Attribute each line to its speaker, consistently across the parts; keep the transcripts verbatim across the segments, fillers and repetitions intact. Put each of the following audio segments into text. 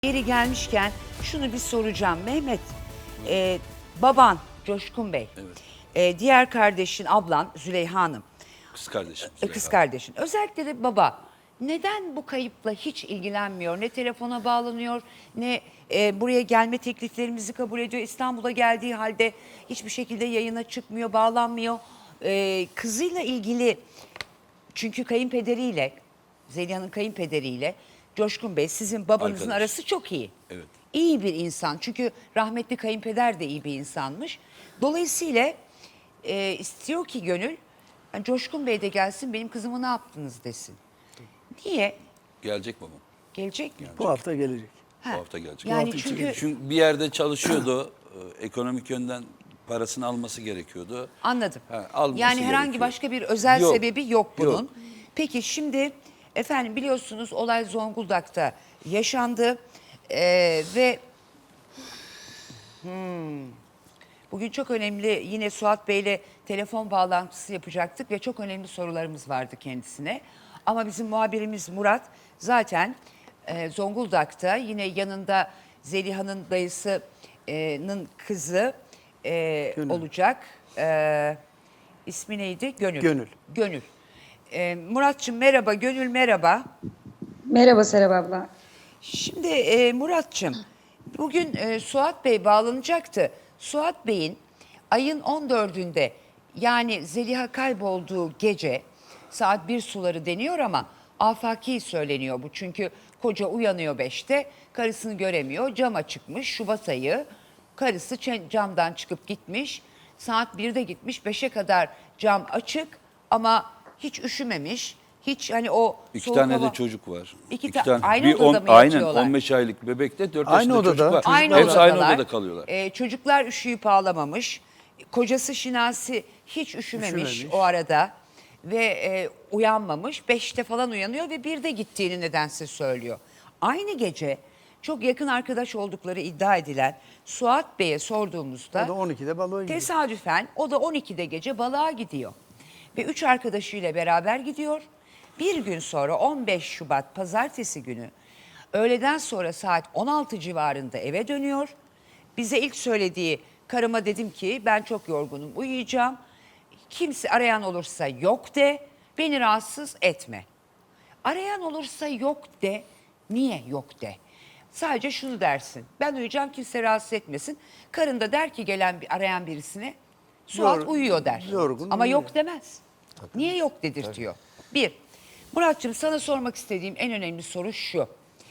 Speaker 1: Yeri gelmişken şunu bir soracağım. Mehmet, e, baban Coşkun Bey,
Speaker 2: Evet.
Speaker 1: e, diğer kardeşin, ablan Züleyha Hanım,
Speaker 2: Kız kardeşim.
Speaker 1: e,
Speaker 2: Züleyha.
Speaker 1: kız kardeşin. Özellikle de baba neden bu kayıpla hiç ilgilenmiyor? Ne telefona bağlanıyor, ne e, buraya gelme tekliflerimizi kabul ediyor. İstanbul'a geldiği halde hiçbir şekilde yayına çıkmıyor, bağlanmıyor. E, kızıyla ilgili, çünkü kayınpederiyle, Zeliha'nın kayınpederiyle Coşkun Bey sizin babanızın
Speaker 2: Arkadaş.
Speaker 1: arası çok iyi.
Speaker 2: Evet.
Speaker 1: İyi bir insan. Çünkü rahmetli kayınpeder de iyi bir insanmış. Dolayısıyla e, istiyor ki gönül, yani Coşkun Bey de gelsin, benim kızıma ne yaptınız desin. Niye?
Speaker 2: Gelecek babam.
Speaker 1: Gelecek mi?
Speaker 3: Bu hafta gelecek.
Speaker 1: Ha.
Speaker 2: Bu hafta gelecek.
Speaker 1: Yani
Speaker 3: hafta
Speaker 1: çünkü
Speaker 3: içi
Speaker 2: Çünkü bir yerde çalışıyordu. e, Ekonomik yönden parasını alması gerekiyordu.
Speaker 1: anladım.
Speaker 2: Ha, alması
Speaker 1: Yani herhangi
Speaker 2: gerekiyor.
Speaker 1: başka bir özel
Speaker 2: Yok,
Speaker 1: sebebi yok bunun.
Speaker 2: yok.
Speaker 1: Peki şimdi efendim biliyorsunuz olay Zonguldak'ta yaşandı. Ee, ve hmm, bugün çok önemli, yine Suat Bey'le telefon bağlantısı yapacaktık ve çok önemli sorularımız vardı kendisine. Ama bizim muhabirimiz Murat zaten e, Zonguldak'ta, yine yanında Zeliha'nın dayısının kızı e,
Speaker 3: Gönül.
Speaker 1: olacak. E, ismi neydi? Gönül.
Speaker 3: Gönül.
Speaker 1: Gönül. E, Muratçım merhaba, Gönül merhaba.
Speaker 4: Merhaba Serap abla.
Speaker 1: Şimdi e, Muratçım, bugün e, Suat Bey bağlanacaktı. Suat Bey'in ayın on dördünde, yani Zeliha kaybolduğu gece saat bir suları deniyor ama afaki söyleniyor bu. Çünkü koca uyanıyor beşte, karısını göremiyor, cama çıkmış Şubat ayı. Karısı çen- camdan çıkıp gitmiş, saat birde gitmiş, beşe kadar cam açık ama hiç üşümemiş. Hiç hani o
Speaker 2: İki
Speaker 1: soğuk
Speaker 2: tane
Speaker 1: hava-
Speaker 2: de çocuk var.
Speaker 1: İki
Speaker 2: İki
Speaker 1: ta- aynı
Speaker 2: bir
Speaker 1: odada
Speaker 2: on,
Speaker 1: mı
Speaker 2: aynen
Speaker 1: yatıyorlar?
Speaker 2: on beş aylık bebekte dört
Speaker 3: Aynı
Speaker 2: yaşında
Speaker 3: odada.
Speaker 2: çocuk var.
Speaker 1: Aynı
Speaker 2: Hepsi aynı
Speaker 1: odadalar.
Speaker 2: odada kalıyorlar.
Speaker 1: Ee, çocuklar üşüyüp ağlamamış. Kocası Şinasi hiç üşümemiş,
Speaker 3: Üşümemiş.
Speaker 1: o arada ve e, uyanmamış. Beşte falan uyanıyor ve birde gittiğini nedense söylüyor. Aynı gece çok yakın arkadaş oldukları iddia edilen Suat Bey'e sorduğumuzda
Speaker 3: O da on ikide balığa gidiyor.
Speaker 1: tesadüfen o da on ikide gece balığa gidiyor. Ve üç arkadaşıyla beraber gidiyor. Bir gün sonra on beş Şubat pazartesi günü öğleden sonra saat on altı civarında eve dönüyor. Bize ilk söylediği, karıma dedim ki ben çok yorgunum, uyuyacağım. Kimse arayan olursa yok de, beni rahatsız etme. Arayan olursa yok de, niye yok de. Sadece şunu dersin, ben uyuyacağım, kimse rahatsız etmesin. Karın da der ki gelen bir arayan birisine, Suat
Speaker 3: Yor-
Speaker 1: uyuyor der.
Speaker 3: yorgun
Speaker 1: Ama
Speaker 3: uyuyor.
Speaker 1: yok demez. Niye yok dedirtiyor. Bir, Muratçım sana sormak istediğim en önemli soru şu.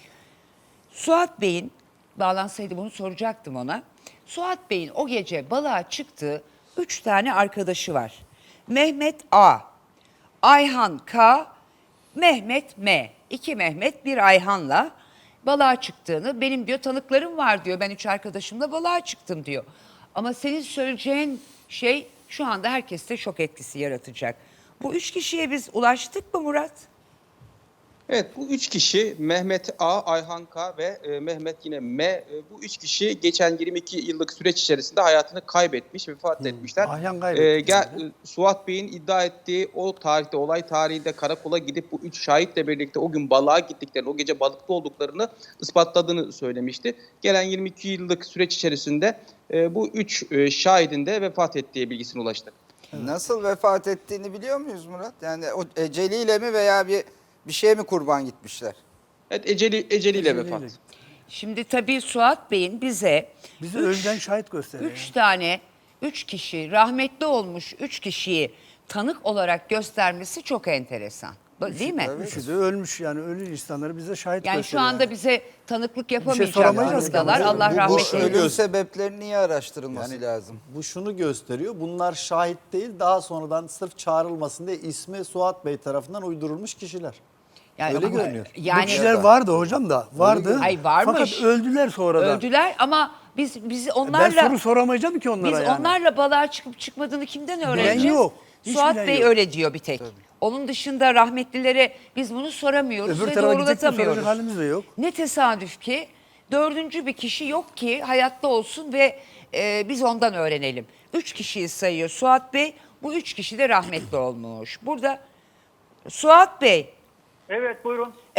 Speaker 1: Suat Bey'in, bağlansaydı bunu soracaktım ona. Suat Bey'in o gece balığa çıktığı üç tane arkadaşı var. Mehmet A, Ayhan K, Mehmet M. İki Mehmet, bir Ayhan'la balığa çıktığını, benim diyor tanıklarım var diyor. Ben üç arkadaşımla balığa çıktım diyor. Ama senin söyleyeceğin şey şu anda herkeste şok etkisi yaratacak. Bu üç kişiye biz ulaştık mı Murat?
Speaker 5: Evet, bu üç kişi Mehmet A, Ayhan K ve e, Mehmet yine M. E, bu üç kişi geçen yirmi iki yıllık süreç içerisinde hayatını kaybetmiş, vefat etmişler.
Speaker 3: Ayhan kaybetti.
Speaker 5: E, gel, e, Suat Bey'in iddia ettiği o tarihte, olay tarihinde karakola gidip bu üç şahitle birlikte o gün balığa gittiklerini, o gece balıkta olduklarını ispatladığını söylemişti. Gelen yirmi iki yıllık süreç içerisinde e, bu üç e, şahidin de vefat ettiği bilgisine ulaştık.
Speaker 6: Nasıl vefat ettiğini biliyor muyuz Murat? Yani o eceliyle mi veya bir bir şeye mi kurban gitmişler?
Speaker 5: Evet, eceli, eceliyle
Speaker 3: Eceliyle.
Speaker 5: vefat.
Speaker 1: Şimdi tabii Suat Bey'in bize
Speaker 3: Bize
Speaker 1: üç-
Speaker 3: önceden şahit gösteriyor.
Speaker 1: Üç tane, üç kişi, rahmetli olmuş üç kişiyi tanık olarak göstermesi çok enteresan. Bu- Değil mi?
Speaker 6: evet.
Speaker 3: Üçü de ölmüş, yani ölü insanları bize şahit
Speaker 1: Yani şu
Speaker 3: gösteriyor.
Speaker 1: anda bize tanıklık
Speaker 3: şey
Speaker 1: yapamayacak
Speaker 3: soramayacağız ki
Speaker 1: durumdalar.
Speaker 3: ama.
Speaker 1: Allah
Speaker 6: Bu, bu
Speaker 1: rahmet
Speaker 6: ölüm
Speaker 1: eylesin.
Speaker 6: sebeplerinin iyi araştırılması
Speaker 7: Yani
Speaker 6: lazım.
Speaker 7: Bu şunu gösteriyor. Bunlar şahit değil, daha sonradan sırf çağrılmasın diye ismi Suat Bey tarafından uydurulmuş kişiler.
Speaker 1: Yani
Speaker 7: Öyle
Speaker 1: ama-
Speaker 7: görünüyor.
Speaker 3: Bu
Speaker 1: Yani
Speaker 3: kişiler vardı hocam da, vardı.
Speaker 1: Ay, varmış.
Speaker 3: Fakat öldüler sonradan.
Speaker 1: öldüler ama biz biz
Speaker 3: Ben
Speaker 1: onlarla
Speaker 3: soru soramayacağım ki onlara
Speaker 1: biz
Speaker 3: yani.
Speaker 1: onlarla balığa çıkıp çıkmadığını kimden öğreneceğiz?
Speaker 3: yok. Hiç
Speaker 1: Suat
Speaker 3: bilen
Speaker 1: Bey
Speaker 3: yok.
Speaker 1: öyle diyor bir tek. Onun dışında rahmetlilere biz bunu soramıyoruz
Speaker 3: Öbür
Speaker 1: ve
Speaker 3: tarafa gidecek de
Speaker 1: doğrulatamıyoruz.
Speaker 3: soracak halimiz de yok.
Speaker 1: Ne tesadüf ki dördüncü bir kişi yok ki hayatta olsun ve e, biz ondan öğrenelim. Üç kişiyi sayıyor Suat Bey. Bu üç kişi de rahmetli olmuş. Burada Suat Bey,
Speaker 8: Evet buyurun.
Speaker 1: evet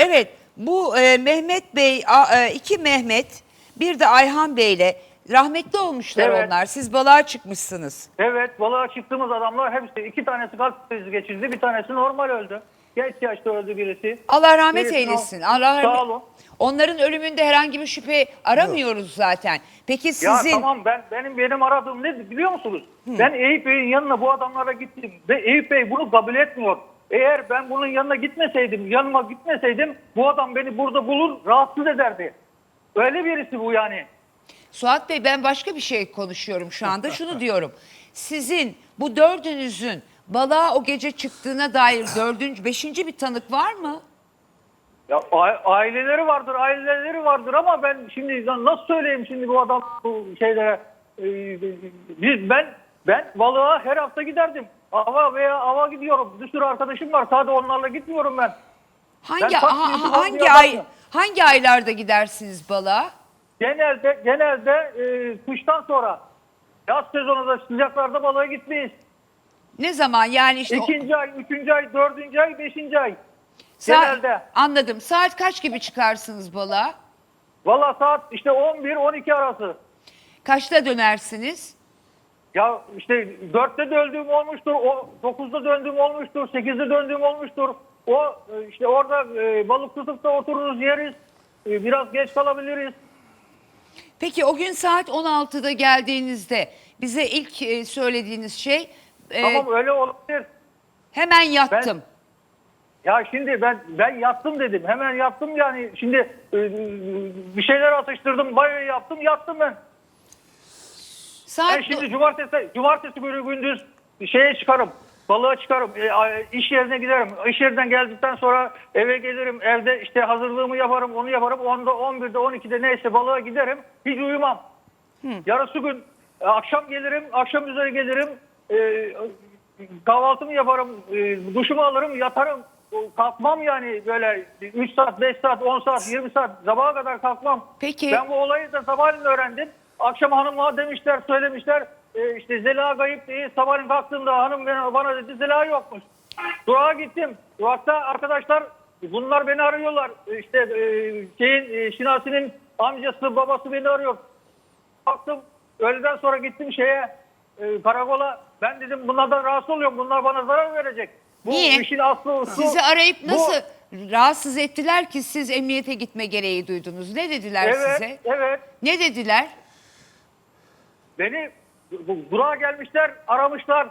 Speaker 1: bu e, Mehmet Bey, a- e, iki Mehmet, bir de Ayhan Bey'le rahmetli olmuşlar
Speaker 8: Evet.
Speaker 1: onlar. Siz balığa çıkmışsınız.
Speaker 8: Evet, balığa çıktığımız adamlar hepsi, iki tanesi kalp krizi geçirdi, bir tanesi normal öldü. Genç yaşta öldü birisi.
Speaker 1: Allah rahmet
Speaker 8: Birisi-
Speaker 1: eylesin. Allah rahmet.
Speaker 8: Sağ olun.
Speaker 1: Onların ölümünde herhangi bir şüphe aramıyoruz zaten. Peki
Speaker 8: Ya
Speaker 1: sizin
Speaker 8: tamam, ben benim benim aradığım ne biliyor musunuz? Ben Eyüp Bey'in yanına bu adamlara gittim ve Eyüp Bey bunu kabul etmiyor. Eğer ben bunun yanına gitmeseydim, yanıma gitmeseydim bu adam beni burada bulur, rahatsız ederdi. Öyle birisi bu yani.
Speaker 1: Suat Bey, ben başka bir şey konuşuyorum şu anda. Şunu diyorum. Sizin bu dördünüzün balığa o gece çıktığına dair dördüncü, beşinci bir tanık var mı?
Speaker 8: Ya a- aileleri vardır, aileleri vardır ama ben şimdi nasıl söyleyeyim şimdi bu adam bu şeylere e, biz ben ben balığa her hafta giderdim. Ava veya ava gidiyorum. Bir sürü arkadaşım var. Sadece onlarla gitmiyorum ben.
Speaker 1: Hangi
Speaker 8: Ben kaç
Speaker 1: ha-
Speaker 8: yıldır
Speaker 1: ha- hangi
Speaker 8: balığa
Speaker 1: ay
Speaker 8: bakıyorum.
Speaker 1: hangi aylarda gidersiniz balığa?
Speaker 8: Genelde genelde e, kıştan sonra yaz sezonunda sıcaklarda balığa gitmeyiz.
Speaker 1: Ne zaman yani işte o-
Speaker 8: İkinci ay, üçüncü ay, dördüncü ay, beşinci ay.
Speaker 1: Sa-
Speaker 8: Genelde.
Speaker 1: Anladım. Saat kaç gibi çıkarsınız balığa?
Speaker 8: Valla saat işte on bir on iki arası.
Speaker 1: Kaçta dönersiniz?
Speaker 8: Ya işte dörtte döndüğüm olmuştur, o dokuzda döndüğüm olmuştur, sekizde döndüğüm olmuştur. O e, işte orada e, balık tutup da otururuz, yeriz. E, biraz geç kalabiliriz.
Speaker 1: Peki o gün saat on altıda geldiğinizde bize ilk e, söylediğiniz şey e,
Speaker 8: Tamam, öyle olabilir.
Speaker 1: hemen yattım.
Speaker 8: Ya şimdi ben ben yattım dedim. Hemen yattım yani. Şimdi e, bir şeyler atıştırdım, bayağı yaptım, yattım ben.
Speaker 1: Saat
Speaker 8: Ben şimdi cumartesi cumartesi günü gündüz şeye çıkarım. Balığa çıkarım. E, a- iş yerine giderim. İş yerinden geldikten sonra eve gelirim. Evde işte hazırlığımı yaparım, onu yaparım. onda, on birde, on ikide neyse balığa giderim. Hiç uyumam. Yarısı gün e, akşam gelirim, akşam üzeri gelirim. E, kahvaltımı yaparım, e, duşumu alırım, yatarım. Kalkmam yani böyle üç saat, beş saat, on saat, yirmi saat sabaha kadar kalkmam.
Speaker 1: Peki.
Speaker 8: Ben bu olayı da sabahleyin öğrendim. Akşam hanıma demişler, söylemişler. E, işte Zeliha kayıp değil. Sabahleyin kalktığımda hanım bana, bana dedi Zeliha yokmuş. Durağa gittim. Durakta arkadaşlar bunlar beni arıyorlar. E, İşte e, şeyin e, Şinasi'nin amcası, babası beni arıyor. Baktım öğleden sonra gittim şeye e, karakola. Ben dedim bunlardan rahatsız oluyorum. Bunlar bana zarar verecek. Bu
Speaker 1: Niye?
Speaker 8: işin aslı su.
Speaker 1: Sizi arayıp
Speaker 8: Bu-
Speaker 1: nasıl rahatsız ettiler ki siz emniyete gitme gereği duydunuz? Ne dediler
Speaker 8: Evet,
Speaker 1: size?
Speaker 8: evet.
Speaker 1: Ne dediler?
Speaker 8: Beni bu- durağa gelmişler, aramışlar.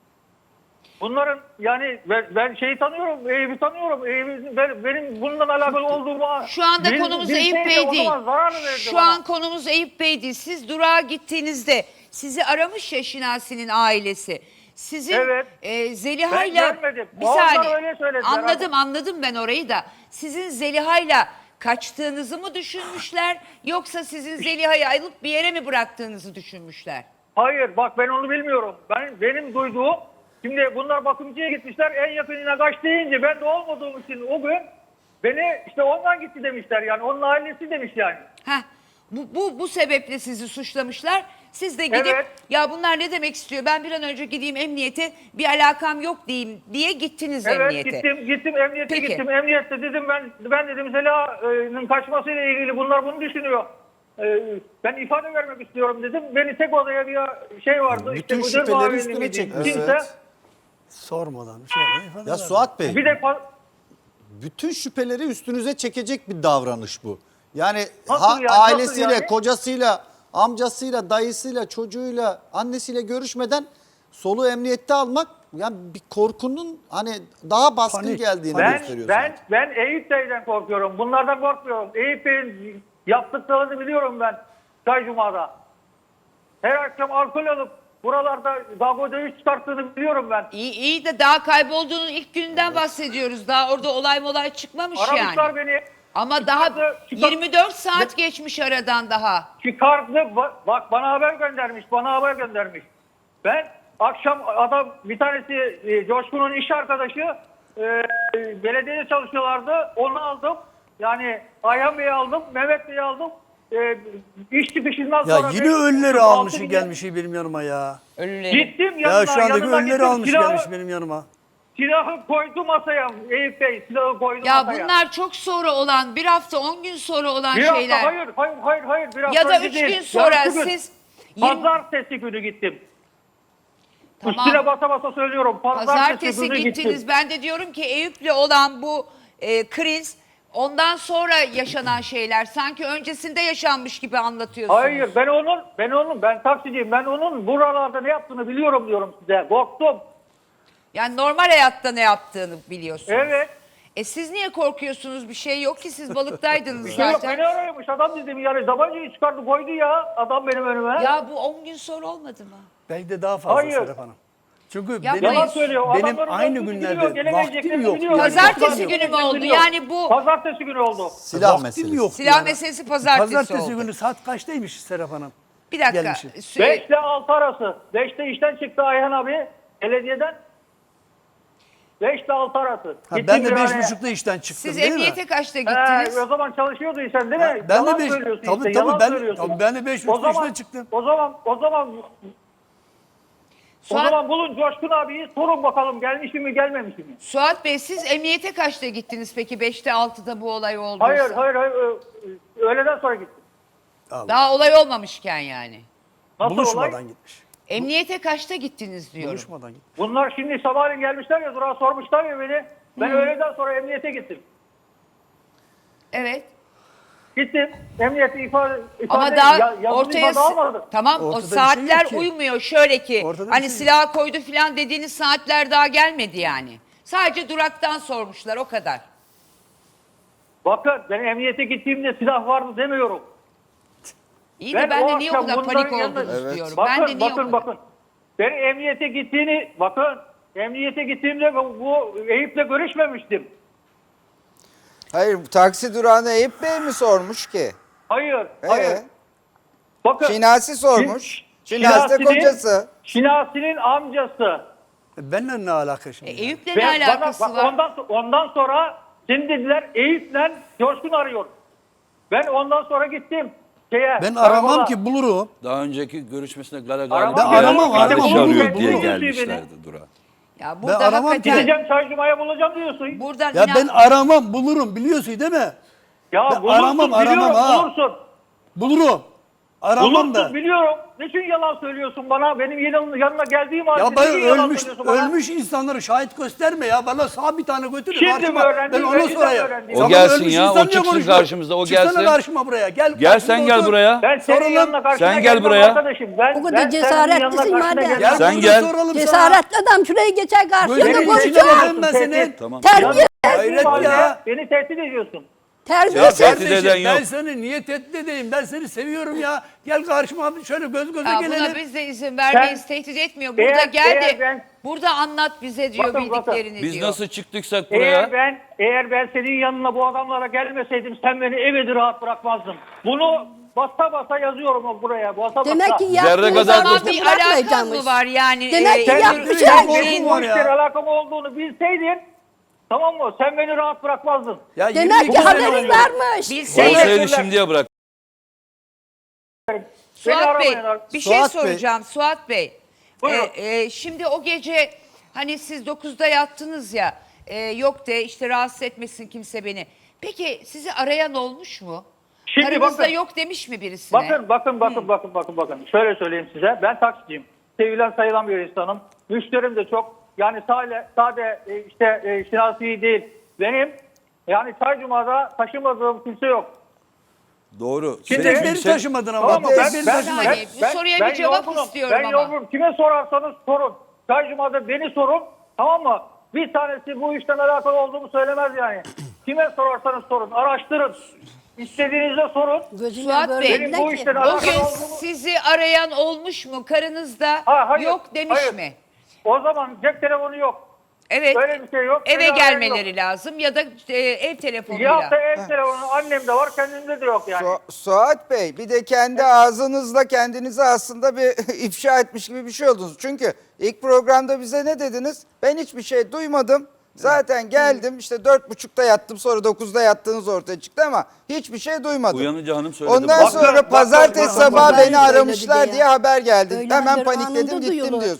Speaker 8: Bunların yani ben, ben şeyi tanıyorum, Eyüp'ü tanıyorum. Eyüp'ün ben, benim bununla alakalı olduğumu...
Speaker 1: Şu anda
Speaker 8: bir-
Speaker 1: konumuz
Speaker 8: bir
Speaker 1: Eyüp
Speaker 8: şeyse
Speaker 1: Bey
Speaker 8: o
Speaker 1: değil.
Speaker 8: zaman zararını verdi
Speaker 1: Şu
Speaker 8: bana.
Speaker 1: an konumuz Eyüp Bey değil. Siz durağa gittiğinizde sizi aramış ya Şinasi'nin ailesi. Sizin
Speaker 8: Evet.
Speaker 1: e, Zeliha'yla
Speaker 8: Ben görmedim.
Speaker 1: bir
Speaker 8: Onlar
Speaker 1: saniye.
Speaker 8: öyle söylediler
Speaker 1: Anladım anladım ben orayı da. Sizin Zeliha'yla kaçtığınızı mı düşünmüşler yoksa sizin Zeliha'yı alıp bir yere mi bıraktığınızı düşünmüşler?
Speaker 8: Hayır bak ben onu bilmiyorum. Ben Benim duyduğum, şimdi bunlar bakımcıya gitmişler, en yakınına kaç deyince ben de olmadığım için o gün beni işte ondan gitti demişler yani, onun ailesi demiş yani.
Speaker 1: Heh, bu, bu, bu sebeple sizi suçlamışlar. Siz de gidip
Speaker 8: Evet.
Speaker 1: ya bunlar ne demek istiyor, ben bir an önce gideyim emniyete, bir alakam yok diyeyim diye gittiniz
Speaker 8: Evet
Speaker 1: emniyete.
Speaker 8: gittim gittim emniyete
Speaker 1: Peki.
Speaker 8: gittim. Emniyette dedim ben ben dedim Zeliha'nın kaçmasıyla ilgili bunlar bunu düşünüyor. Ee, Ben ifade vermek istiyorum dedim. Beni tek odaya bir şey vardı.
Speaker 7: Bütün
Speaker 8: müdür
Speaker 7: şüpheleri
Speaker 8: muavini
Speaker 7: üstüne
Speaker 8: miydi?
Speaker 7: çekmiş.
Speaker 8: Kimse.
Speaker 7: Evet.
Speaker 3: Sormadan. Sonra ifade
Speaker 7: Ya
Speaker 3: ver.
Speaker 7: Suat Bey,
Speaker 8: Bir de fa-
Speaker 7: bütün şüpheleri üstünüze çekecek bir davranış bu. Yani,
Speaker 8: Nasıl
Speaker 7: ha-
Speaker 8: yani, nasıl
Speaker 7: ailesiyle,
Speaker 8: yani?
Speaker 7: kocasıyla, amcasıyla, dayısıyla, çocuğuyla, annesiyle görüşmeden soluğu emniyette almak yani bir korkunun hani daha baskın
Speaker 3: Panik,
Speaker 7: geldiğini
Speaker 8: ben
Speaker 7: gösteriyor.
Speaker 8: ben
Speaker 7: sanki.
Speaker 8: ben Eyüp Bey'den korkuyorum. Bunlardan korkmuyorum. Eyüp Bey'in yaptıklarını biliyorum ben. Çay Cuma'da. Her akşam alkol alıp buralarda dalga dövüş çıkarttığını biliyorum ben.
Speaker 1: İyi, iyi de daha kaybolduğunun ilk gününden bahsediyoruz. Daha orada olay molay çıkmamış
Speaker 8: Aramışlar
Speaker 1: yani.
Speaker 8: beni.
Speaker 1: Ama daha
Speaker 8: Çıkardı, çıkar-
Speaker 1: yirmi dört saat geçmiş aradan daha.
Speaker 8: Çıkardı. Ba- Bak bana haber göndermiş. Bana haber göndermiş. Ben akşam adam bir tanesi e, Coşkun'un iş arkadaşı e, belediyede çalışıyorlardı. Onu aldım. Yani Ayhan Bey'i aldım. Mehmet Bey'i aldım. E, iş çıkışından
Speaker 3: Ya
Speaker 8: sonra...
Speaker 3: yine
Speaker 8: ben-
Speaker 3: ölüleri
Speaker 8: altı
Speaker 3: almış
Speaker 8: bin-
Speaker 3: gelmiş benim yanıma ya.
Speaker 1: Ölüleri.
Speaker 8: Gittim yanına.
Speaker 3: Ya şu andaki
Speaker 8: yanına
Speaker 3: ölüleri
Speaker 8: gittim.
Speaker 3: almış
Speaker 8: Silahı-
Speaker 3: gelmiş benim yanıma.
Speaker 8: silahı koydu masaya. Eyüp Bey silahı koydu
Speaker 1: Ya
Speaker 8: masaya.
Speaker 1: bunlar çok sonra olan, bir hafta on gün sonra olan
Speaker 8: bir
Speaker 1: şeyler.
Speaker 8: hafta hayır hayır hayır hayır bir hafta
Speaker 1: Ya da
Speaker 8: önce
Speaker 1: üç
Speaker 8: değil.
Speaker 1: gün sonra
Speaker 8: Yarısı gün.
Speaker 1: siz yirmi
Speaker 8: Pazartesi günü gittim.
Speaker 1: Tamam.
Speaker 8: Üstüne basa basa söylüyorum. Pazartesi,
Speaker 1: Pazartesi
Speaker 8: günü
Speaker 1: gittiniz.
Speaker 8: gittim.
Speaker 1: Ben de diyorum ki Eyüp'le olan bu e, kriz ondan sonra yaşanan şeyler. Sanki öncesinde yaşanmış gibi anlatıyorsunuz.
Speaker 8: Hayır ben onun ben onun ben taksiciyim. Ben onun buralarda ne yaptığını biliyorum diyorum size. Korktum.
Speaker 1: Yani normal hayatta ne yaptığını biliyorsunuz.
Speaker 8: Evet.
Speaker 1: E siz niye korkuyorsunuz? Bir şey yok ki, siz balıktaydınız
Speaker 8: Bir şey yok.
Speaker 1: zaten.
Speaker 8: Beni arıyormuş adam dedim yani tabancayı çıkardı koydu ya adam benim önüme.
Speaker 1: Ya bu on gün sonra olmadı mı?
Speaker 3: Belki de daha fazla
Speaker 8: Hayır.
Speaker 3: Serap Hanım. Çünkü
Speaker 1: Yapmayın.
Speaker 3: benim,
Speaker 8: Yalan söylüyor.
Speaker 3: benim
Speaker 8: Adamların
Speaker 3: aynı
Speaker 8: döndüğünü
Speaker 3: günlerde
Speaker 8: biliyor, gelemeyeceklerini
Speaker 3: vaktim yok.
Speaker 8: biliyor.
Speaker 1: Pazartesi
Speaker 8: Yani
Speaker 1: günü mü
Speaker 8: vaktim
Speaker 1: oldu?
Speaker 8: yok.
Speaker 1: Yani bu
Speaker 8: Pazartesi günü oldu.
Speaker 7: Silah
Speaker 3: vaktim
Speaker 7: meselesi.
Speaker 3: yok.
Speaker 1: silah
Speaker 3: yani.
Speaker 1: meselesi pazartesi,
Speaker 3: Pazartesi
Speaker 1: oldu.
Speaker 3: günü saat kaçtaymış Serap Hanım?
Speaker 1: Bir dakika.
Speaker 3: gelmişi.
Speaker 1: Sü-
Speaker 8: beş ile altı arası. beşte işten çıktı Ayhan abi belediyeden. beş ile altı arası.
Speaker 3: Ha,
Speaker 8: Gittim
Speaker 3: ben de
Speaker 8: bir
Speaker 3: beş
Speaker 8: araya.
Speaker 3: buçukta işten çıktım
Speaker 1: Siz
Speaker 3: değil mi?
Speaker 1: emniyete kaçta
Speaker 8: He,
Speaker 1: gittiniz?
Speaker 8: o zaman çalışıyordun sen değil mi?
Speaker 3: Ha, ben
Speaker 8: yalan
Speaker 3: de beş-
Speaker 8: söylüyorsun
Speaker 3: tabii,
Speaker 8: işte,
Speaker 3: tabii,
Speaker 8: yalan
Speaker 3: ben-
Speaker 8: söylüyorsun.
Speaker 3: tabii ben de beş
Speaker 8: O
Speaker 3: buçukta
Speaker 8: zaman-
Speaker 3: çıktım.
Speaker 8: O zaman, o zaman, o
Speaker 1: Suat,
Speaker 8: zaman bulun Coşkun abiyi sorun bakalım gelmiş mi gelmemiş mi?
Speaker 1: Suat Bey, siz emniyete kaçta gittiniz peki? beşte altıda bu olay olduysa.
Speaker 8: Hayır, hayır, hayır. ö- Öğleden sonra gittim.
Speaker 1: Daha olay olmamışken yani.
Speaker 8: Nasıl
Speaker 3: Buluşmadan
Speaker 8: olay?
Speaker 3: gitmiş.
Speaker 1: Emniyete kaçta gittiniz diyorum.
Speaker 3: Buluşmadan gitmiş.
Speaker 8: Bunlar şimdi sabahleyin gelmişler ya durağa sormuşlar ya beni. Ben öğleden sonra emniyete gittim.
Speaker 1: Evet.
Speaker 8: Gittim. Emniyete ifade, ifade
Speaker 1: Ama daha
Speaker 8: ya- yazılı
Speaker 1: ortaya
Speaker 8: ifade almadım.
Speaker 1: tamam,
Speaker 3: Ortada
Speaker 1: o
Speaker 3: bir şey yok
Speaker 1: saatler
Speaker 3: ki.
Speaker 1: uymuyor. Şöyle ki
Speaker 3: Ortada bir
Speaker 1: hani
Speaker 3: şey yok.
Speaker 1: silah koydu falan dediğiniz saatler daha gelmedi yani. Sadece duraktan sormuşlar, o kadar.
Speaker 8: Bakın ben emniyete gittiğimde silah vardı demiyorum.
Speaker 1: İyi de
Speaker 8: Ben
Speaker 1: ben
Speaker 8: o
Speaker 1: de niye o
Speaker 8: akşam
Speaker 1: kadar
Speaker 8: bunların
Speaker 1: panik
Speaker 8: yanında-
Speaker 1: oldunuz
Speaker 6: Evet.
Speaker 1: diyorum.
Speaker 8: Bakın
Speaker 1: ben de niye o
Speaker 8: bakın
Speaker 1: kadar?
Speaker 8: bakın. Ben emniyete gittiğini bakın. Emniyete gittiğimde bu, bu Eyüp'le görüşmemiştim.
Speaker 6: Hayır, taksi durağına Eyüp Bey mi sormuş ki?
Speaker 8: Hayır,
Speaker 6: Ee?
Speaker 8: hayır. Bakın.
Speaker 6: Şinasi sormuş.
Speaker 8: Şin-
Speaker 6: Şinasi de
Speaker 8: Şinasi'nin-
Speaker 6: kocası.
Speaker 8: Şinasi'nin amcası.
Speaker 3: E, benimle ne alaka
Speaker 1: E,
Speaker 3: şimdi?
Speaker 1: Eyüp'le ne
Speaker 8: Ben- bana-
Speaker 1: alakası
Speaker 8: bak,
Speaker 1: var?
Speaker 8: Ondan, ondan sonra şimdi dediler Eyüp'le Coşkun arıyor. Ben ondan sonra gittim. Şeye,
Speaker 3: Ben
Speaker 8: karakola.
Speaker 3: aramam ki, bulurum.
Speaker 2: Daha önceki görüşmesinde Gara
Speaker 8: Aramam
Speaker 2: galiba
Speaker 3: Ben aramam,
Speaker 2: kardeş
Speaker 3: aramam.
Speaker 2: arıyor
Speaker 3: Bulurum,
Speaker 2: diye
Speaker 3: bulurum.
Speaker 2: gelmişlerdi dura.
Speaker 1: Ya burada
Speaker 3: aramam ki.
Speaker 1: hakikaten
Speaker 8: Gideceğim Çaycuma'ya bulacağım diyorsun.
Speaker 1: buradan
Speaker 3: Ya
Speaker 1: inan-
Speaker 3: ben aramam, bulurum, biliyorsun değil mi?
Speaker 8: Ya
Speaker 3: Ben
Speaker 8: bulursun
Speaker 3: aramam, aramam
Speaker 8: biliyorum
Speaker 3: ha.
Speaker 8: bulursun.
Speaker 3: Bulurum. Aramam
Speaker 8: Bulursun
Speaker 3: da.
Speaker 8: biliyorum. Niçin yalan söylüyorsun bana? Benim yanım, yanına geldiğim halde
Speaker 3: Ya ben
Speaker 8: niçin yalan
Speaker 3: ölmüş
Speaker 8: söylüyorsun bana?
Speaker 3: ölmüş insanları şahit gösterme ya. Bana sağ bir tane götür.
Speaker 8: Şimdi
Speaker 3: karşıma.
Speaker 8: mi öğrendin?
Speaker 3: Ben onu
Speaker 8: Önceden
Speaker 3: sorayım.
Speaker 8: öğrendin.
Speaker 2: O
Speaker 3: Sen
Speaker 2: gelsin
Speaker 3: ölmüş
Speaker 2: ya, o
Speaker 3: insan niye
Speaker 2: çıksın
Speaker 3: konuşma?
Speaker 2: karşımıza, o
Speaker 3: Çıksana
Speaker 2: gelsin.
Speaker 3: karşıma buraya. Gel.
Speaker 2: Gel
Speaker 3: karşımda
Speaker 2: sen gel
Speaker 3: otur.
Speaker 2: buraya.
Speaker 8: Ben senin
Speaker 3: Sorun
Speaker 8: yanına
Speaker 3: lan.
Speaker 8: karşına
Speaker 2: Sen gel
Speaker 8: gelmem
Speaker 2: buraya.
Speaker 8: arkadaşım. Ben,
Speaker 9: O kadar
Speaker 8: ben senin
Speaker 9: cesaretlisin
Speaker 8: yanına karşına
Speaker 9: madem.
Speaker 8: gelmem.
Speaker 3: Gel
Speaker 2: Sen
Speaker 3: burada
Speaker 2: gel.
Speaker 3: soralım sana.
Speaker 9: Cesaretli adam şuraya geçer karşıya da
Speaker 3: Gözünün içine
Speaker 9: konuşacak.
Speaker 3: bakayım ben senin.
Speaker 2: Tamam.
Speaker 9: Terbiye,
Speaker 3: Hayret ya.
Speaker 8: Beni tehdit ediyorsun.
Speaker 3: Ya
Speaker 9: terbiyesiz.
Speaker 2: tehdit
Speaker 3: kardeşim,
Speaker 2: eden
Speaker 3: ben
Speaker 2: yok.
Speaker 3: seni niye tehdit edeyim? Ben seni seviyorum ya. Gel karşıma abi, şöyle göz göze
Speaker 1: Ya buna
Speaker 3: gelelim.
Speaker 1: biz de izin vermeyiz,
Speaker 8: Ben-
Speaker 1: tehdit etmiyor. Burada
Speaker 8: Eğer-
Speaker 1: gel de
Speaker 8: eğer ben-
Speaker 1: burada anlat bize diyor
Speaker 8: Bakın, bakın.
Speaker 1: bildiklerini
Speaker 2: Biz
Speaker 1: diyor.
Speaker 2: nasıl çıktıysak
Speaker 8: Eğer
Speaker 2: buraya,
Speaker 8: ben eğer ben senin yanına bu adamlara gelmeseydim sen beni evde rahat bırakmazdın. Bunu basa basa yazıyorum buraya. Basa basa.
Speaker 9: Demek ki
Speaker 2: Zerre
Speaker 9: yaptığınız
Speaker 2: kadar
Speaker 1: Ama
Speaker 2: dokunma.
Speaker 9: zaman
Speaker 1: bir alakan
Speaker 9: bırakmayacakmış.
Speaker 1: mı var yani?
Speaker 9: Demek ki
Speaker 1: e,
Speaker 9: yapmış
Speaker 1: yürü-
Speaker 9: her
Speaker 8: Benim
Speaker 3: şeyi
Speaker 8: bu
Speaker 3: var ya.
Speaker 8: işlere alakam olduğunu bilseydin tamam mı? Sen beni rahat bırakmazdın.
Speaker 3: Ya
Speaker 9: Demek
Speaker 3: yirmi iki
Speaker 9: ki
Speaker 3: sene
Speaker 9: haberin
Speaker 3: oluyor.
Speaker 9: varmış.
Speaker 1: Bilseydin.
Speaker 2: olsaydı şimdiye bırak.
Speaker 8: Beni
Speaker 1: Suat Bey,
Speaker 8: aramayın artık.
Speaker 1: bir şey
Speaker 3: Suat Bey.
Speaker 1: soracağım Suat Bey.
Speaker 8: Buyurun.
Speaker 1: Ee, e, şimdi o gece hani siz dokuzda yattınız ya, e, yok de işte rahatsız etmesin kimse beni. Peki sizi arayan olmuş mu?
Speaker 8: Şimdi
Speaker 1: Karınızda
Speaker 8: bakın.
Speaker 1: yok demiş mi birisine?
Speaker 8: Bakın bakın bakın bakın bakın bakın. Şöyle söyleyeyim size. Ben taksiciyim. Sevilen sayılan bir insanım. Müşterim de çok. Yani sade, sade e, işte e, şinasi değil. Benim yani Çaycuma'da taşımadığım kimse yok.
Speaker 2: Doğru.
Speaker 8: Şimdi-
Speaker 2: Senin
Speaker 3: Tek beni
Speaker 2: kimse-
Speaker 3: taşımadın ama.
Speaker 8: Tamam mı?
Speaker 3: Tek
Speaker 8: Ben,
Speaker 3: beni
Speaker 8: ben,
Speaker 3: taşımadın.
Speaker 1: saniye, bu soruya bir cevap
Speaker 8: yorgunum.
Speaker 1: istiyorum
Speaker 8: ben
Speaker 1: ama.
Speaker 8: yorgunum. Kime sorarsanız sorun. Çaycuma'da beni sorun. Tamam mı? Bir tanesi bu işten alakalı olduğumu söylemez yani. Kime sorarsanız sorun. Araştırın. İstediğinizde sorun.
Speaker 9: Gözünden
Speaker 1: Suat
Speaker 9: böyle
Speaker 1: Bey,
Speaker 8: Benim
Speaker 9: dediler
Speaker 8: bu
Speaker 9: ki,
Speaker 8: işten
Speaker 1: O
Speaker 8: alakalı
Speaker 1: gün
Speaker 8: olduğumu...
Speaker 1: sizi arayan olmuş mu? Karınızda
Speaker 8: Ha, hayır,
Speaker 1: yok demiş
Speaker 8: hayır.
Speaker 1: mi?
Speaker 8: O zaman cep telefonu yok.
Speaker 1: Evet.
Speaker 8: Böyle bir şey yok.
Speaker 1: Eve
Speaker 8: Beni arayan
Speaker 1: gelmeleri lazım ya da e, ev
Speaker 8: yok.
Speaker 1: telefonuyla.
Speaker 8: Ya da ev telefonu annemde var kendimde de yok yani.
Speaker 6: Su- Suat Bey, bir de kendi ağzınızla kendinizi aslında bir ifşa etmiş gibi bir şey oldunuz. Çünkü ilk programda bize ne dediniz? Ben hiçbir şey duymadım. Zaten geldim işte dört buçukta yattım, sonra dokuzda yattığınız ortaya çıktı ama hiçbir şey duymadım.
Speaker 2: Uyanınca hanım söyledi.
Speaker 6: Ondan
Speaker 2: bak.
Speaker 6: sonra
Speaker 8: Bakın,
Speaker 6: pazartesi
Speaker 8: bakın,
Speaker 6: sabahı
Speaker 9: bakın.
Speaker 6: beni aramışlar
Speaker 9: Öyle
Speaker 6: diye haber geldi.
Speaker 9: Öyle
Speaker 6: Hemen
Speaker 9: haber
Speaker 6: panikledim
Speaker 9: anında
Speaker 6: gittim
Speaker 9: duyulur.
Speaker 6: diyorsunuz.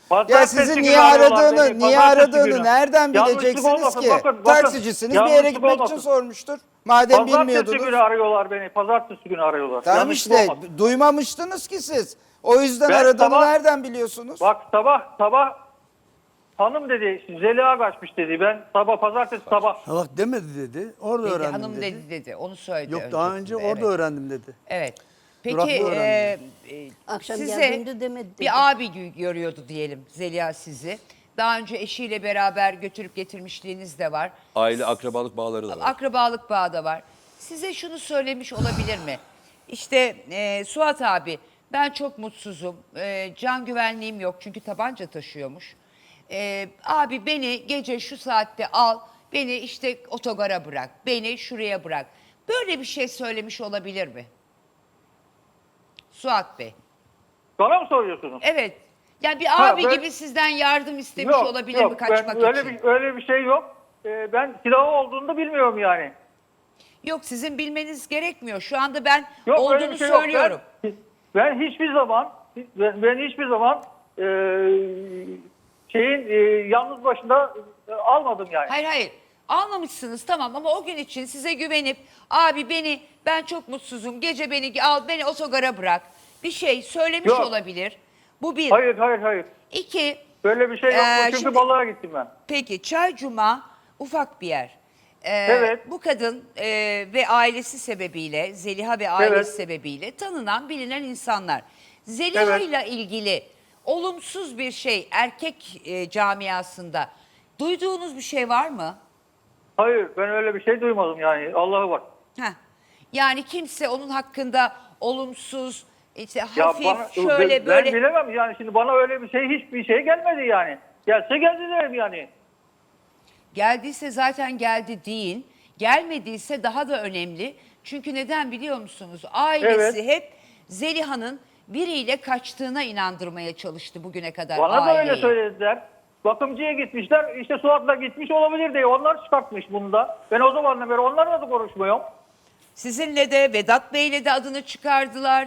Speaker 6: Ya sizin niye aradığını, niye aradığını nereden bileceksiniz ki? Taksicisiniz, bir yere gitmek için sormuştur. Madem
Speaker 8: Pazartesi
Speaker 6: bilmiyordunuz.
Speaker 8: günü arıyorlar beni. Pazartesi günü arıyorlar.
Speaker 6: Tamam
Speaker 8: Yanlışlık
Speaker 6: işte
Speaker 8: olmasın.
Speaker 6: duymamıştınız ki siz. O yüzden
Speaker 8: Ben
Speaker 6: aradığını
Speaker 8: sabah-
Speaker 6: nereden biliyorsunuz?
Speaker 8: Bak sabah sabah hanım dedi Zeliha kaçmış dedi. Ben sabah pazartesi sabah.
Speaker 3: Salak demedi dedi. Orada
Speaker 1: Dedi,
Speaker 3: öğrendim
Speaker 1: hanım
Speaker 3: dedi.
Speaker 1: dedi dedi. Onu söyledi.
Speaker 3: Yok daha önce
Speaker 1: öncesinde,
Speaker 3: orada
Speaker 1: evet.
Speaker 3: öğrendim dedi.
Speaker 1: Evet.
Speaker 3: Durakta
Speaker 1: Peki e,
Speaker 3: öğrendim.
Speaker 1: e,
Speaker 9: Akşam
Speaker 1: size
Speaker 9: geldiğimde demedi dedi.
Speaker 1: bir abi gö- görüyordu diyelim Zeliha sizi. Daha önce eşiyle beraber götürüp getirmişliğiniz de var.
Speaker 2: Aile akrabalık bağları da var.
Speaker 1: Akrabalık bağı da var. Size şunu söylemiş olabilir mi? İşte e, Suat abi ben çok mutsuzum. E, can güvenliğim yok çünkü tabanca taşıyormuş. E, abi beni gece şu saatte al. Beni işte otogara bırak. Beni şuraya bırak. Böyle bir şey söylemiş olabilir mi? Suat Bey.
Speaker 8: Bana mı soruyorsunuz?
Speaker 1: Evet. Yani bir
Speaker 8: Ha,
Speaker 1: abi
Speaker 8: ben-
Speaker 1: gibi sizden yardım istemiş
Speaker 8: Yok,
Speaker 1: olabilir
Speaker 8: yok.
Speaker 1: mi kaçmak
Speaker 8: ben öyle
Speaker 1: için?
Speaker 8: Bir, öyle bir şey yok. Ee, ben silahı olduğunu da bilmiyorum yani.
Speaker 1: Yok sizin bilmeniz gerekmiyor. Şu anda ben
Speaker 8: Yok öyle
Speaker 1: olduğunu
Speaker 8: bir şey yok.
Speaker 1: söylüyorum.
Speaker 8: Ben, ben hiçbir zaman ben, ben hiçbir zaman e, şeyin e, yalnız başında e, almadım yani.
Speaker 1: Hayır hayır. Almamışsınız tamam ama o gün için size güvenip abi beni ben çok mutsuzum gece beni al beni otogara bırak bir şey söylemiş
Speaker 8: Yok.
Speaker 1: olabilir. Bu bir.
Speaker 8: Hayır hayır hayır.
Speaker 1: İki.
Speaker 8: Böyle bir şey yok.
Speaker 1: Ee,
Speaker 8: Çünkü
Speaker 1: şimdi-
Speaker 8: balığa gittim ben.
Speaker 1: Peki Çaycuma ufak bir yer. Ee,
Speaker 8: Evet.
Speaker 1: Bu kadın e, ve ailesi sebebiyle Zeliha ve ailesi
Speaker 8: Evet.
Speaker 1: sebebiyle tanınan bilinen insanlar. Zeliha
Speaker 8: Evet.
Speaker 1: ile ilgili olumsuz bir şey erkek e, camiasında duyduğunuz bir şey var mı?
Speaker 8: Hayır ben öyle bir şey duymadım yani. Allah'a bak.
Speaker 1: Heh. Yani kimse onun hakkında olumsuz, işte
Speaker 8: Ya
Speaker 1: hafif,
Speaker 8: bana-
Speaker 1: şöyle
Speaker 8: ben,
Speaker 1: böyle.
Speaker 8: Ben bilemem yani şimdi bana öyle bir şey hiçbir şey gelmedi yani. Gelse geldi derim yani.
Speaker 1: Geldiyse zaten geldi deyin. Gelmediyse daha da önemli. Çünkü neden biliyor musunuz? Ailesi
Speaker 8: Evet.
Speaker 1: hep Zeliha'nın biriyle kaçtığına inandırmaya çalıştı bugüne kadar
Speaker 8: Bana da öyle
Speaker 1: aileyi.
Speaker 8: söylediler. Bakımcıya gitmişler işte Suat'la gitmiş olabilir diye onlar çıkartmış bunu da. Ben o zamandan beri onlarla da konuşmuyorum.
Speaker 1: Sizinle de Vedat Bey'le de adını çıkardılar.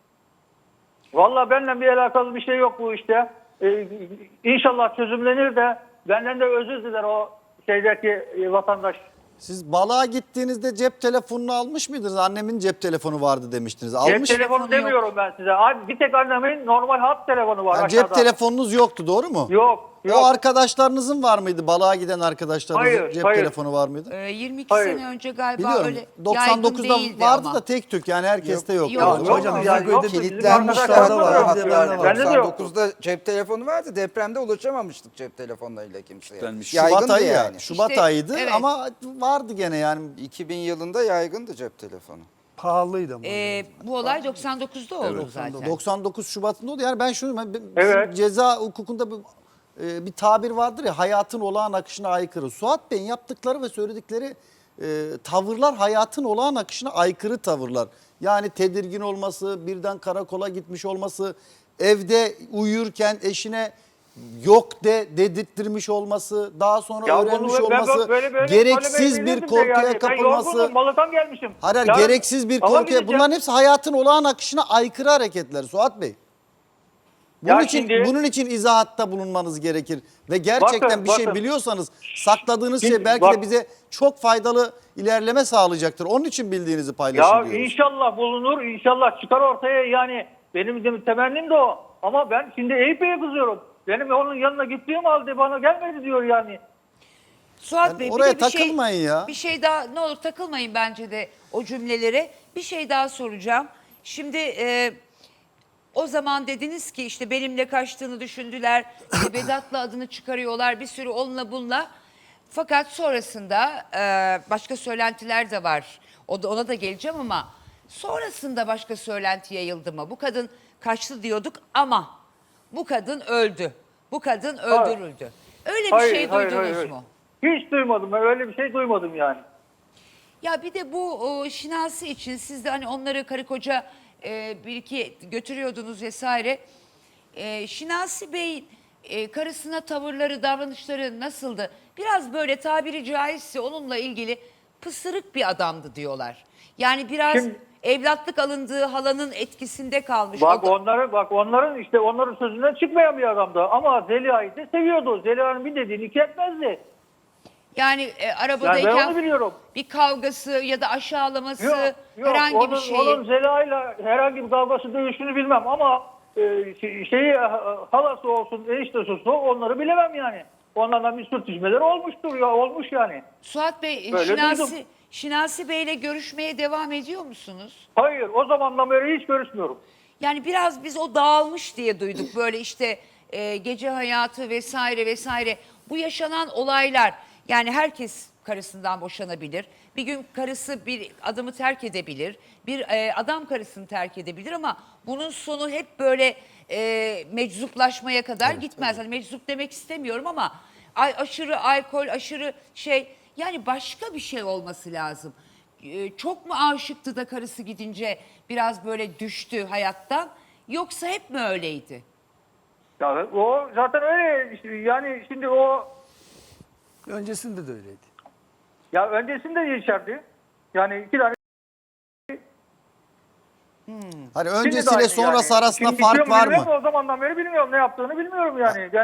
Speaker 8: Vallahi benimle bir alakalı bir şey yok bu işte. Ee, inşallah çözümlenir de benden de özür diler o şeydeki e, vatandaş.
Speaker 7: Siz balığa gittiğinizde cep telefonunu almış mıydınız? Annemin cep telefonu vardı demiştiniz.
Speaker 8: Cep
Speaker 7: Almış.
Speaker 8: telefonu
Speaker 1: yok.
Speaker 8: demiyorum ben size. Abi bir tek annemin normal hat telefonu var
Speaker 7: Yani
Speaker 8: aşağıda.
Speaker 7: cep telefonunuz yoktu doğru mu?
Speaker 8: Yok. Yok.
Speaker 7: O arkadaşlarınızın var mıydı? Balığa giden arkadaşlarınızın
Speaker 8: Hayır,
Speaker 7: cep
Speaker 8: hayır.
Speaker 7: telefonu var mıydı?
Speaker 1: Ee, yirmi iki
Speaker 8: Hayır.
Speaker 1: sene önce galiba
Speaker 7: Biliyorum.
Speaker 1: öyle
Speaker 7: doksan
Speaker 1: yaygın
Speaker 7: dokuzda
Speaker 1: değildi
Speaker 7: vardı
Speaker 1: ama.
Speaker 7: da tek tük yani herkeste yok.
Speaker 1: Yok,
Speaker 7: Yani.
Speaker 8: yok.
Speaker 3: Hocam
Speaker 8: Ya,
Speaker 3: bizim
Speaker 8: yok,
Speaker 3: köyde
Speaker 8: bizim
Speaker 6: Kilitlenmişler
Speaker 8: arkadaşlarımız
Speaker 6: var.
Speaker 8: da yok.
Speaker 3: Bizde bende var.
Speaker 8: Bende de yok.
Speaker 6: doksan dokuzda cep telefonu vardı. Depremde ulaşamamıştık cep telefonlarıyla kimseye.
Speaker 2: Kilitlenmiş.
Speaker 7: Şubat
Speaker 6: Yaygındı
Speaker 7: ayı
Speaker 6: yani.
Speaker 7: ya. Şubat
Speaker 1: İşte,
Speaker 7: ayıydı
Speaker 1: evet.
Speaker 7: ama vardı gene yani.
Speaker 6: iki bin yılında yaygındı cep telefonu.
Speaker 3: Pahalıydı ama.
Speaker 1: Ee, bu olay doksan dokuzda oldu zaten.
Speaker 7: doksan dokuz Şubat'ında oldu. Yani ben şunu ben- bizim
Speaker 8: Evet.
Speaker 7: ceza hukukunda bir, e, bir tabir vardır ya, hayatın olağan akışına aykırı. Suat Bey'in yaptıkları ve söyledikleri e, tavırlar hayatın olağan akışına aykırı tavırlar. Yani tedirgin olması, birden karakola gitmiş olması, evde uyurken eşine yok de dedirttirmiş olması, daha sonra
Speaker 8: Ya
Speaker 7: öğrenmiş
Speaker 8: bunu ben
Speaker 7: olması,
Speaker 8: böyle böyle
Speaker 7: gereksiz
Speaker 8: söylemeyi
Speaker 7: bir
Speaker 8: bilirdim de
Speaker 7: korkuya
Speaker 8: yani.
Speaker 7: kapılması.
Speaker 8: Ben yorgunum, balıktan gelmişim.
Speaker 7: Hayır, hayır,
Speaker 8: Yarın
Speaker 7: gereksiz bir
Speaker 8: ava
Speaker 7: korkuya.
Speaker 8: gideceğim.
Speaker 7: Bunların hepsi hayatın olağan akışına aykırı hareketler Suat Bey. Bunun
Speaker 8: Ya
Speaker 7: için
Speaker 8: şimdi-
Speaker 7: bunun için izahatta bulunmanız gerekir ve gerçekten
Speaker 8: Bakın,
Speaker 7: bir şey
Speaker 8: bakın.
Speaker 7: biliyorsanız sakladığınız
Speaker 8: Şimdi
Speaker 7: şey belki
Speaker 8: bak-
Speaker 7: de bize çok faydalı ilerleme sağlayacaktır. Onun için bildiğinizi
Speaker 8: Ya
Speaker 7: paylaşın diyoruz.
Speaker 8: inşallah bulunur, inşallah çıkar ortaya yani. Benim de temennim de o. Ama ben şimdi Eyüp Bey'e kızıyorum. Benim onun yanına gittiğim halde bana gelmedi diyor yani.
Speaker 1: Suat
Speaker 7: Yani
Speaker 1: Bey
Speaker 7: oraya
Speaker 1: bir de bir şey,
Speaker 7: takılmayın ya.
Speaker 1: Bir şey daha ne olur takılmayın bence de o cümlelere. Bir şey daha soracağım. Şimdi e, o zaman dediniz ki işte benimle kaçtığını düşündüler. işte Vedat'la adını çıkarıyorlar bir sürü onunla bununla. Fakat sonrasında e, başka söylentiler de var. O da, ona da geleceğim ama sonrasında başka söylenti yayıldı mı? Bu kadın kaçtı diyorduk ama bu kadın öldü. Bu kadın öldürüldü. Öyle bir şey duydunuz mu?
Speaker 8: Hiç duymadım. Ben öyle bir şey duymadım yani.
Speaker 1: Ya bir de bu o, Şinasi için siz de hani onları karı koca e, bir iki götürüyordunuz vesaire. E, Şinasi Bey'in e, karısına tavırları, davranışları nasıldı? Biraz böyle tabiri caizse onunla ilgili pısırık bir adamdı diyorlar. Yani biraz
Speaker 8: Kim-
Speaker 1: evlatlık alındığı halanın etkisinde kalmış.
Speaker 8: Bak
Speaker 1: O da-
Speaker 8: onları bak onların işte onların sözünden çıkmayan bir adamdı. Ama Zeliha'yı da seviyordu. Zeliha'nın bir dediğini iki etmezdi.
Speaker 1: Yani e,
Speaker 8: Yani ben
Speaker 1: arabadayken
Speaker 8: onu biliyorum.
Speaker 1: bir kavgası ya da aşağılaması
Speaker 8: Yok, yok.
Speaker 1: herhangi
Speaker 8: onun,
Speaker 1: bir şey.
Speaker 8: Onun Zeliha'yla herhangi bir kavgası dövüşünü bilmem ama e, şey- şeyi halası olsun, eniştesi olsun onları bilemem yani. Onlardan bir sürtüşmeler olmuştur ya olmuş yani.
Speaker 1: Suat Bey,
Speaker 8: Böyle
Speaker 1: Şinasi,
Speaker 8: duydum.
Speaker 1: Şinasi Bey'le görüşmeye devam ediyor musunuz?
Speaker 8: Hayır o zamandan beri hiç görüşmüyorum.
Speaker 1: Yani biraz biz o dağılmış diye duyduk. Böyle işte e, gece hayatı vesaire vesaire. Bu yaşanan olaylar, yani herkes karısından boşanabilir. Bir gün karısı bir adamı terk edebilir. Bir e, adam karısını terk edebilir ama bunun sonu hep böyle e, meczuplaşmaya kadar gitmez. Hani meczup demek istemiyorum ama ay, aşırı alkol, aşırı şey, yani başka bir şey olması lazım. E, çok mu aşıktı da karısı gidince biraz böyle düştü hayattan, yoksa hep mi öyleydi?
Speaker 8: Ya, o zaten öyle işte, yani şimdi o
Speaker 3: Öncesinde de öyleydi.
Speaker 8: ya öncesinde de içerdi. Yani iki tane
Speaker 7: Hani
Speaker 8: Şimdi de
Speaker 7: öncesiyle
Speaker 8: aynı
Speaker 7: sonrası
Speaker 8: yani.
Speaker 7: arasında
Speaker 8: Şimdi
Speaker 7: fark
Speaker 8: içiyor mu
Speaker 7: var
Speaker 8: bilmiyorum
Speaker 7: mı?
Speaker 8: da o zamandan beri bilmiyorum ne yaptığını bilmiyorum yani.